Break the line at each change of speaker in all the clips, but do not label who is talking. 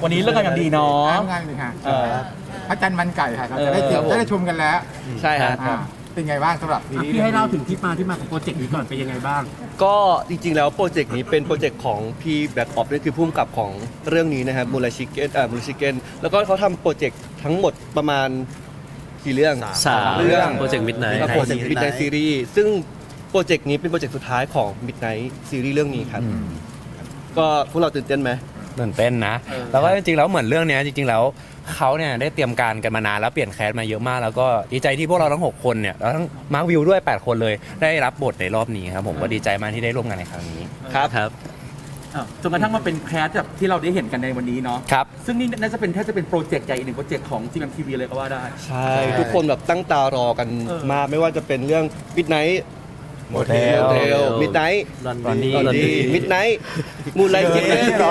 วันนี้เลิกงานกันดีเนาะ
ง่ายเลยค่ะพระจันทร์มันไก่ค่ะเราจะได้ชมกันแล้ว
ใช่ครับ
เป็นไงบ้างสำหรับซีรีส์
พี่ให้เล่าถึงที่มาของโปรเจกต์นี้ก่อนเป็นยังไงบ้าง
ก็จริงๆแล้วโปรเจกต์นี้เป็นโปรเจกต์ของพี่แบ็คออฟนั่นคือผู้กำกับของเรื่องนี้นะครับมูลชิเก้นมูลชิเก้นแล้วก็เขาทำโปรเจกต์ทั้งหมดประมาณกี่เรื่อง
สาม
เรื่อง
โปรเจกต์ Midnight
โปรเจกต์ Midnight Series ซึ่งโปรเจกต์นี้เป็นโปรเจกต์สุดท้ายของ Midnight Series เรื่องนี้ครับก็พวกเราตื่นเต้นไหม
ตื่นเต้นนะแล้วก็จริงๆแล้วเหมือนเรื่องเนี้ยจริงๆแล้วเขาเนี่ยได้เตรียมการกันมานานแล้วเปลี่ยนแคสมาเยอะมากแล้วก็ดีใจที่พวกเราทั้ง6คนเนี่ยแล้วทั้งมาร์ควิวด้วย8คนเลยได้รับบทในรอบนี้ครับผมก็ดีใจมากที่ได้ร่วมงานในครั้งนี้
ครับ
จนกระทั่งมาเป็นแคสแบบที่เราได้เห็นกันในวันนี้เนาะ
ครับ
ซึ่งนี่น่าจะเป็นแทบจะเป็นโปรเจกต์ใหญ่อีกหนึ่งโปรเจกต์ของ GMMTV เลยก็ว่าได้
ใช่ ทุกคนแบบตั้งตารอกันมากไม่ว่าจะเป็นเรื่อง Midnight
โมเทล
Midnight
ลอนดี้
Midnight มูลไลท์เกน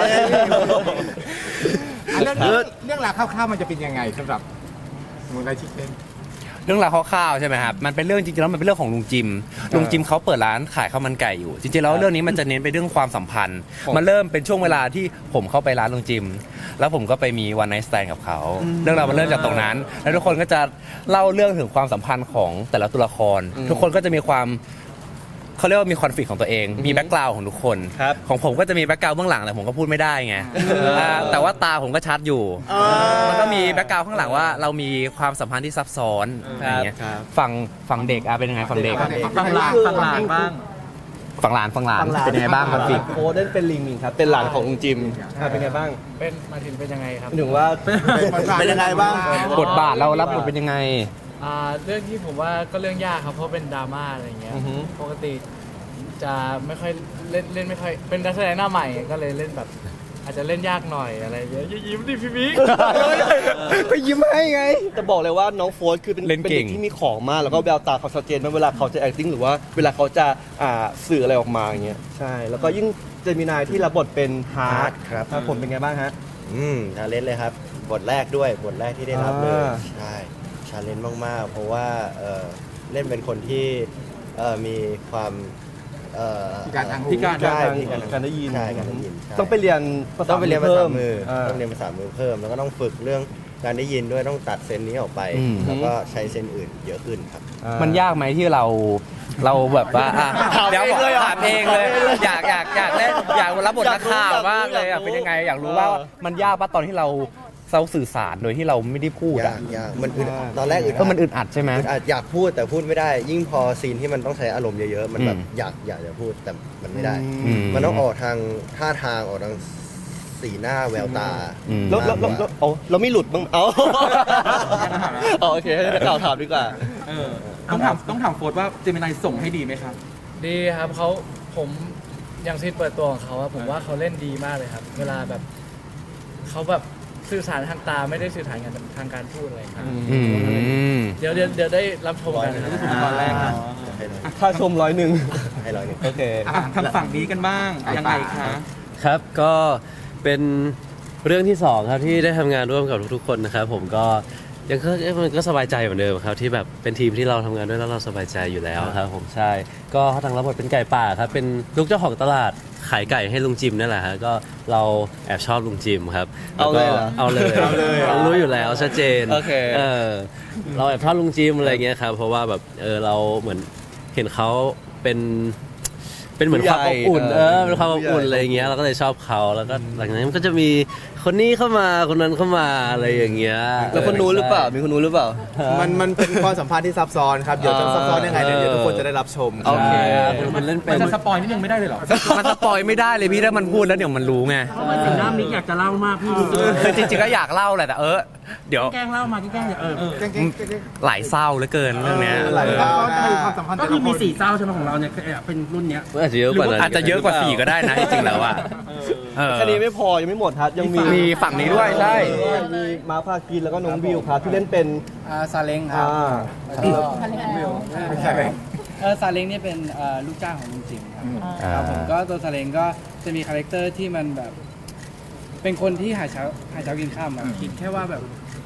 เรื่องราวคร่าวๆมันจะเป็นยังไงสำหรับมูลไลชิคเก้น
เรื่องราวคร่าวๆใช่ไหมครับมันเป็นเรื่องจริงๆแล้วมันเป็นเรื่องของลุงจิมเขาเปิดร้านขายข้าวมันไก่อยู่จริงๆแล้วเรื่องนี้มันจะเน้นไปเรื่องความสัมพันธ์มันเริ่มเป็นช่วงเวลาที่ผมเข้าไปร้านลุงจิมแล้วผมก็ไปมีวันไนท์สแตนกับเขาเรื่องราวมันเริ่มจากตรงนั้น แล้วทุกคนก็จะเล่าเรื่องถึงความสัมพันธ์ของแต่ละตัวละคร ทุกคนก็จะมีความเขาเรียกว่ามีคอนฟ lict ของตัวเองมีแบ็กกราวด์ของทุกคนของผมก็จะมีแบ็กกราวด์เบื้องหลังแต่ผมก็พูดไม่ได้ไงแต่ว่าตาผมก็ชัดอยู่มันก็มีแบ็กกราวด์ข้างหลังว่าเรามีความสัมพันธ์ที่ซับซ้อนอย่างเงี้ยฝั่งเด็กเป็นยังไงฝั่งเด็ก
ฟังหลานบ้าง
ฝั่งหลานเป็นยังไงบ้างคอนฟ lict
โค้ดนั่นเป็นลิงครับเป็นหลานของลุงจิมเป็นไงบ้าง
เป็นมาถึงเป็นยังไงครับ
ถึงว่าเป็นยังไงบ้าง
บทบาทเรารับบทเป็นยังไง
เรื่องที่ผมว่าก็เรื่องยากครับเพราะเป็นดราม่าอะไรอย่างเงี้ยปกติจะไม่ค่อยเล่นไม่ค่อยเป็นนักแสดงหน้าใหม่ก็เลยเล่นแบบ อาจจะเล่นยากหน่อยอะไรอย่างเงี้ยยิ้มดิพี่บิ๊ก
ก็ยิ้มให้ไงแต่บอกเลยว่าน้องโฟร์คือเป็น
เล่นเก่ง
ด็กที่มีของมากแล้วก็แววตาเขาชัดเจนมากเวลาเขาจะ acting หรือว่าเวลาเขาจะสื่ออะไรออกมาอย่างเงี้ยใช่แล้วก็ยิ่งเจมินายที่รับบทเป็นฮาร์ด
ครับ
ผมเป็นไงบ้างฮะ
ชาเลนจ์เลยครับ บทแรกด้วย บทแรกที่ได้รับเลย ใช่ ชาเลนจ์มาก ๆ เพราะว่าเล่นเป็นคนที่มีความ
พิการทางหู
พิการ
ใช่
ทาง
พิการทาง
การได้ยิน
ใช่การได้ยินใช่
ต้องไปเรียนภาษา
ต้องไปเรียนภาษามือ
เพิ่
ต้องเรียนภาษามือเพิ่ม แล้วก็ต้องฝึกเรื่องการได้ยินด้วยต้องตัดเซนนี้ออกไป แล้วก็ใช้เซนอื่นเยอะขึ้นครับ
มันยากไหมที่เราแบบว่าเดี๋ยวถามเองเลยอยากเล่นอยากรับบทนักข่าวมากเลยเป็นยังไงอยากรู้ว่ามันยากปะตอนที่เราสื่อสารโดยที่เราไม่ได้พูด
ยากยากมันอึดอัดตอนแรกอึดอัด
มันอึดอัดใช่ไหม
อึดอัดอยากพูดแต่พูดไม่ได้ ยิ่งพอซีนที่มันต้องใช้อารมณ์เยอะๆ มันแบบอยากจะพูดแต่มันไม่ได้ มันต้องออกทางท่าทางออกทางสีหน้าแววตา
เราไม่หลุดบ้างเอาโอเคให้นักข่าวถามดีกว่า
ต้องถามโฟร์ว่าเจมินายส่งให้ดีไหมครับ
ดีครับผมอย่างซีนเปิดตัวของเขาอะผมว่าเขาเล่นดีมากเลยครับ เวลาแบบเขาแบบสื่อสารทางตาไม่ได้สื่อสารกันทางการพูดอะไรครับเดี๋ยวได้รับชมกันนะครับ
ตอนแรกเนาะ
ค่าชม101
ให้ร้อยหนึ่ง
โอเค
ทางฝั่งนี้กันบ้างยังไงคะ
ครับก็เป็นเรื่องที่2ครับที่ได้ทำงานร่วมกับทุกๆคนนะครับผมก็ยังมันก็สบายใจเหมือนเดิมครับที่แบบเป็นทีมที่เราทำงานด้วยแล้วเราสบายใจอยู่แล้วครับผมใช่ก็ทางรับบทเป็นไก่ป่าครับเป็นลูกเจ้าของตลาดขายไก่ให้ลุงจิมนั่นแหละฮะก็เราแอบชอบลุงจิมครับ
เอาเลยเหรอ
เอาเลยรู้อยู่แล้วชัดเจน
โอเค
เราแอบชอบลุงจิมอะไรเงี้ยครับเพราะว่าแบบเราเหมือนเห็นเขาเป็นเหมือนความอบอุ่นเป็นความอบอุ่นอะไรอย่างเงี้ยเราก็เลยชอบเขาแล้วก็หลังจากนั้นมันก็จะมีคนนี้เข้ามาคนนั้นเข้ามาอะไรอย่างเงี้ย
แล้วคนนู้นหรือเปล่ามีคนนู้นหรือเปล่า
มันเป็นความสัมพันธ์ที่ซับซ้อนครับ เดี๋ยวจะซับซ้อนยังไงเดี๋ยวทุกคนจะได้รับชม
โอเค
มันเล่นเป็
มัน นจะสปอยนิดนึงไม่ได้เลยเหรอ
มันสปอยไม่ได้เลยพี่ถ้ามันพูดแล้วเดี๋ยวมันรู้ไง
สีหน้ามิกอยากจะเล่ามากพี่
คือจริงๆก็อยากเล่าแหละแต่เดี๋ยว
แกล้งเล่ามาแกล้ง
หลายเศร้าเหลือเกินเรื่องเนี้ย
หลายเศร้า
ความสัมพันธ์
ก็คือมี4เศร้าใช่ไหมของเราเนี่ยเป็นรุ่นเนี้ย
อาจจะเยอะกว่านั้น
อาจจะเยอะกว่า4ก็ได้นะจริงๆแล้วอ่ะ
แค่นี้ไม่พอยังไม่หมดครับยังมี
มีฝั่งนี้ด้วยใช่
มีมาพากินแล้วก็น้องวิวครับที่เล่นเป็น
ซาเล้งครับ
ไม่ใช่เลย
ซาเล้งเนี่ยเป็นลูกจ้างของลุงจิมครับผมก็ตัวซาเล้งก็จะมีคาแรคเตอร์ที่มันแบบ เป็นคนที่หาเช้ากินข้ามอะคิดแค่ว่าแบบ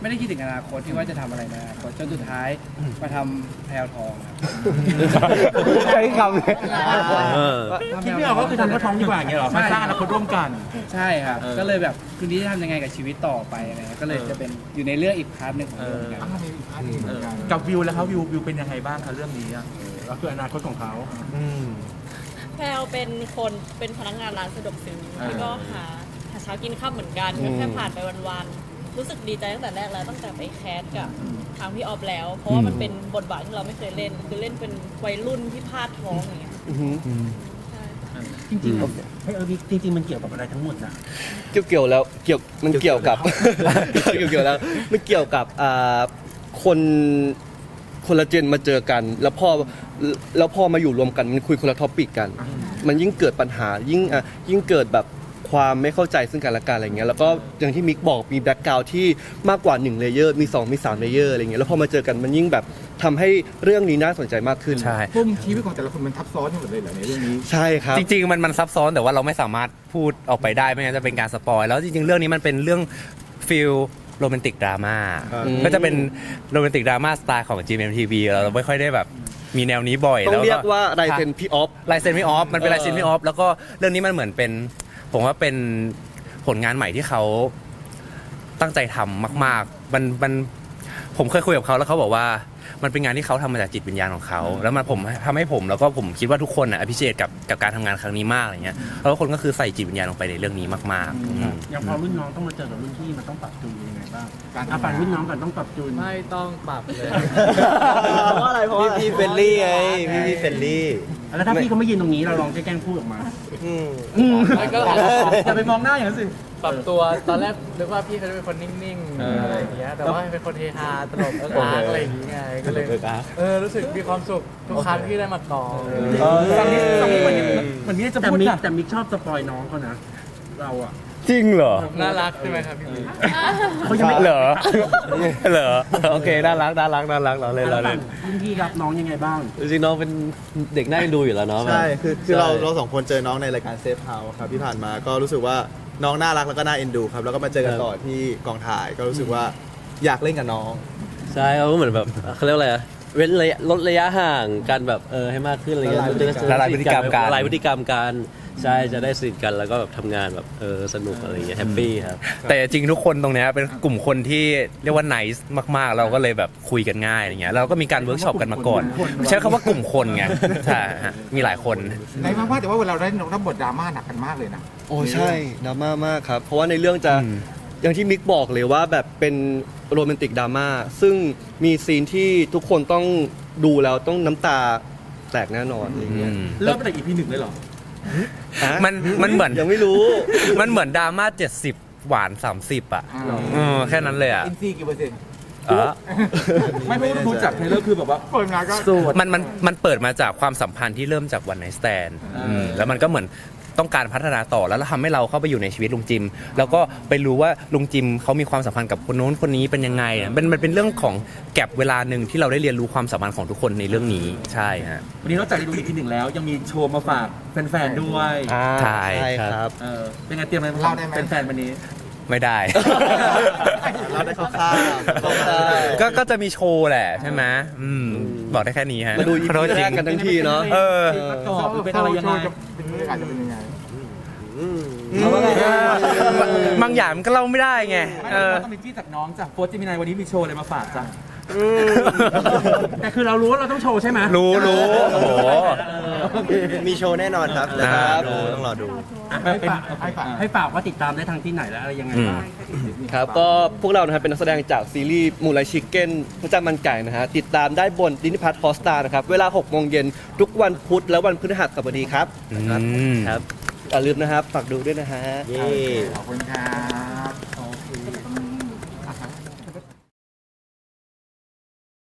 ไม่ได้คิดถึงอนาคตที่ว่าจะทำอะไรในอนาคตจนสุดท้ายมาทำแพลวทองครับ
ใช้คำเลย
คิดไม่ออกก็คือทำกระท้องดีกว่าอย่างเงี้ยเหรอมาสร้างอนาคตร่วมกัน
ใช่ครับ ก็เลยแบบคืนนี้จะทำยังไงกับชีวิตต่อไปอะไรเงี้ยก็เลยจะเป็นอยู่ในเรื่องอีกพาร์ทหนึ่งของเรื่องเหมือนกัน
มีอีกอันหนึ่งเหมือนกัน
กับวิวแล้วเขาวิวเป็นยังไงบ้างคะเรื่องนี้อะก็คืออนาคตของเขา
แพลเป็นคนเป็นพนักงานร้านสะดวกซื้อแล้วก็หาเช้ากินข้าวเหมือนกันก็แค่ผ่านไปวันๆรู้สึกดีใจตั้งแต่แรกแล้วตั้งแต่ไปแคสกับทางพี่ออฟแล้ว เพราะว่ามันเป็นบทบาทที่เราไม่เคยเล่นคือเล่นเป็นวัยรุ่นที่พลาดท้องอย่างเงี้ยใช่
จริงๆจริงๆมันเกี่ยวกับอะไรทั้งหมดนะ
เกี่ยวแล้วมันเกี่ยวกับ เกี่ยวแล้วมันเกี่ยวกับคนละเจนมาเจอกัน แล้วพอมาอยู่รวมกันมันคุยคนละท็อปิกกัน มันยิ่งเกิดปัญหายิ่งเกิดแบบความไม่เข้าใจซึ่งกันและกันอะไรเงี้ยแล้วก็อย่างที่มิกบอกมีแบ็กกราวด์ที่มากกว่า1เลเยอร์มี2มี3เลเยอร์อะไรเงี้ยแล้วพอมาเจอกันมันยิ่งแบบทำให้เรื่องนี้น่าสนใจมากขึ้น
ใช่
พุ่มชีวิตของแต่ละคนมันทับซ้อนกันหมดเลยเหรอในเรื่องนี้
ใช่ครับ
จริงๆมันซับซ้อนแต่ว่าเราไม่สามารถพูดออกไปได้ไม่งั้นจะเป็นการสปอยแล้วจริงๆเรื่องนี้มันเป็นเรื่องฟิลโรแมนติกดราม่าก็จะเป็นโรแมนติกดราม่าสไตล์ของ GMMTV เราไม่ค่อยได้แบบมีแนวนี้บ่อย
ต้อ
แล้ว
งเรียกว่าลายเซ็นพี่ออฟ
ลายเซ็นพี่ออฟมันเป็นลายเซ็นพี่ออฟแล้วก็เรื่องนี้มันเหมือนเป็นผมว่าเป็นผลงานใหม่ที่เขาตั้งใจทำมากๆมันผมเคยคุยกับเขาแล้วเขาบอกว่ามันเป็นงานที่เขาทำมาจากจิตวิญญาณของเขาแล้วมันผมทำให้ผมแล้วก็ผมคิดว่าทุกคนอ่ะอภิเชษกับการทำงานครั้งนี้มากอะไรเงี้ยแล้วทุกคนก็คือใส่จิตวิญญาณลงไปในเรื่องนี้มากๆ
อย่างพอรุ่นน้องต้องมาเจอกับรุ่นพี่มันต้องปรับจูนยังไงบ้างการฝั่งรุ่นน้องกันต้องปรับจูน
ไม่ต้องปรับเลย
เพราะอะไรเพราะพี่เฟลลี่ไงพี่เฟลลี่
แล้วถ้าพี่เขาไม่ยืนตรงนี้เราลองแกล้งพูดออกมา
แล้วก็
อย่าไปมองหน้าอย่างนั้นสิ
ปรับตัวตอนแรกนึกว่าพี่เขาจะเป็นคนนิ่งๆอะไรอย่างเงี้ยแต่ว่าเป็นคนเฮฮาตลกอาร์กอะไรอย่างเงี้ยก็เลยรู้สึกมีความสุขทุกครั้งที่ได้มากอง
ฝั่งนี้เหมือนมิกจะพูดแต่มิกชอบสปอยน้องเขานะ เราอะ
จริงเหรอ
น่ารักใช่ไหมครับพี่บิ๊ก
เขายังไม่
เหรอเหรอโอเคน่ารักเราเล่น
รุ่นพี่รับน้องยังไงบ้าง
จริงๆน้องเป็นเด็กน่าเอ็นดูอยู่แล้วเนาะ
ใช่ คือ
ใช่
เราสองคนเจอน้องในรายการเซฟเฮาส์ครับที่ผ่านมาก็รู้สึกว่าน้องน่ารักแล้วก็น่าเอ็นดูครับแล้วก็มาเจอกันต่อที่กองถ่ายก็รู้สึกว่าอยากเล่นกับน้อง
ใช่เขาก็เหมือนแบบเขาเรียกว่าอะไรอะเว้นระยะลดระยะห่างกันแบบให้มากขึ้นอะไรเงี้ย
ละลายพฤติกรรมกัน
ละลายพฤติกรรมกันใช่จะได้สนิทกันแล้วก็แบบทำงานแบบสนุกอะไรเงี้ยแฮปปี้ครับ
แต่จริงทุกคนตรงเนี้ยเป็นกลุ่มคนที่เรียกว่า nice มากๆ เราก็เลยแบบคุยกันง่ายอะไรเงี้ยเราก็มีการเวิร์กช็อปกันมาก่อนใช้คำว่ากลุ่มคนไงใช่ฮะมีหลายคน
ในมากๆแต่ว่าเวลาเราได้รับบทดราม่าหนักกันมากเลยนะ
โอ้ใช่ดราม่ามากครับ เพราะว่าในเรื่องจะอย่างที่มิกบอกเลยว่าแบบเป็นโรแมนติกดราม่าซึ่งมีซีนที่ทุกคนต้องดูแล้วต้องน้ำตาแตกแน่นอนอะไรเงี้ย
เริ่มตั้งแต่ EP 1เลยเหรอ
มันเหมือน
ยังไม่รู้
มันเหมือนดราม่า70 หวาน 30 อ่ะแค่นั้นเลยอ่ะ
อินซีกี่เปอร์เซ็นต์
ไม่เพราะว่าดูจากเทรลเลอร์คือแบบว่า
เปิดมาก็
สูตร
มันเปิดมาจากความสัมพันธ์ที่เริ่มจากวันไนท์สแตนแล้วมันก็เหมือนต้องการพัฒนาต่อแล้วทำให้เราเข้าไปอยู่ในชีวิตลุงจิม แล้วก็ไปรู้ว่าลุงจิมเขามีความสัมพันธ์กับคนโน้นคนนี้เป็นยังไงมันเป็นเรื่องของแก็บเวลาหนึ่งที่เราได้เรียนรู้ความสัมพันธ์ของทุกคนในเรื่องนี้ใช่ฮะ
วันนี้นอกจากได้ดู EP 1แล้วยังมีโชว์มาฝากแฟนๆด้วย
ใช่
ใช่ครับ
เป็นไงเตรียมอะไรมาฝากแฟนๆวันนี้
ไม่ได้
เราได้คร่าวๆ
ก็จะมีโชว์แหละใช่ไหมบอกได้แค่นี้ฮะ
มาดู EP
ขอโทษจ
แร
ริ
กกันทั้งทีเนาะ
ประกอบหรือเป็นอะไรยังไง
เป็นบรรยากาศจะเป็นยังไง
บางอย่างมันก็เล่าไม่ได้ไง
ต้องมีที่จากน้องจากโฟร์จิมินายวันนี้มีโชว์อะไรมาฝากจ้ะ
แต่คือเรารู้ว่าเราต้องโชว์ใช่ไหม
รู้โอ้โห
มีโชว์แน่นอนครับแต่
ครับ
ต้องรอดู
ให้ฝากว่าติดตามได้ทางที่ไหนและอะไรยังไงบ้าง
ครับก็พวกเรานะครับเป็นนักแสดงจากซีรีส์มูลไลชิคเก้นพระเจ้ามันไก่นะฮะติดตามได้บนดินิพัทฮอสตานะครับเวลา 6 โมงเย็นทุกวันพุธและวันพฤหัสบดีครับ
อืม
ครับอย่าลืมนะครับฝากดูด้วยนะฮะ
เย้
ขอบคุณครับ